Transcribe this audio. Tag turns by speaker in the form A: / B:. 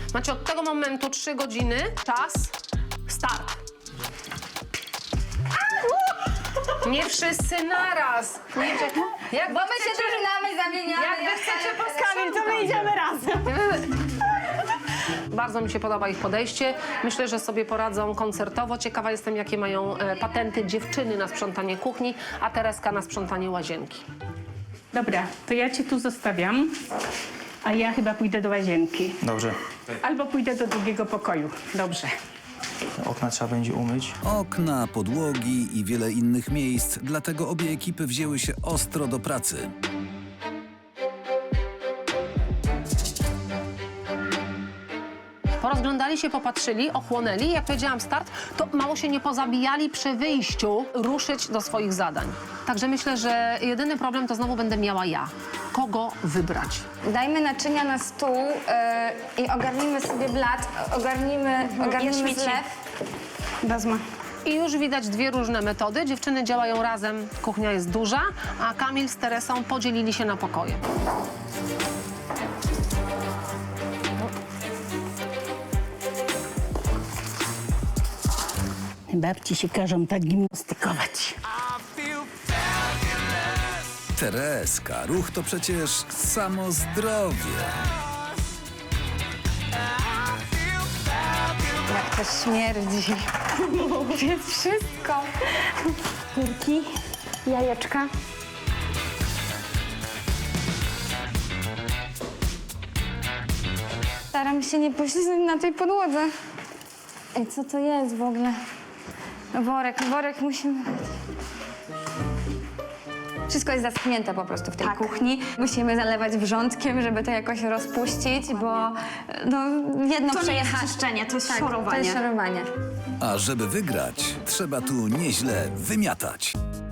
A: Macie od tego momentu 3 godziny. Czas. Start. Nie wszyscy naraz. Jak
B: Bo my się drużynami zamieniamy.
A: Jak wy chcecie
C: Kamil, to my idziemy razem.
A: Bardzo mi się podoba ich podejście. Myślę, że sobie poradzą koncertowo. Ciekawa jestem, jakie mają patenty dziewczyny na sprzątanie kuchni, a Tereska na sprzątanie łazienki.
C: Dobra, to ja cię tu zostawiam, a ja chyba pójdę do łazienki.
D: Dobrze.
C: Albo pójdę do drugiego pokoju. Dobrze.
D: Okna trzeba będzie umyć.
E: Okna, podłogi i wiele innych miejsc, dlatego obie ekipy wzięły się ostro do pracy.
A: Porozglądali się, popatrzyli, ochłonęli. Jak powiedziałam start, to mało się nie pozabijali przy wyjściu ruszyć do swoich zadań. Także myślę, że jedyny problem to znowu będę miała ja. Kogo wybrać?
B: Dajmy naczynia na stół i ogarnijmy sobie blat, ogarnijmy zlew.
C: Wezmę.
A: I już widać 2 różne metody. Dziewczyny działają razem, kuchnia jest duża, a Kamil z Teresą podzielili się na pokoje.
C: Babci się każą tak gimnastykować.
E: Tereska, ruch to przecież samo zdrowie.
B: Jak to śmierdzi. Jest wszystko. Kurki, jajeczka. Staram się nie poślizgnąć na tej podłodze. Ej, co to jest w ogóle? Worek musimy... Wszystko jest zaschnięte po prostu w tej kuchni. Musimy zalewać wrzątkiem, żeby to jakoś rozpuścić, bo no, jedno
F: To nie jest
B: przejechać.
F: czyszczenie, to jest
B: To
F: szorowanie.
B: jest szorowanie.
E: A żeby wygrać, trzeba tu nieźle wymiatać.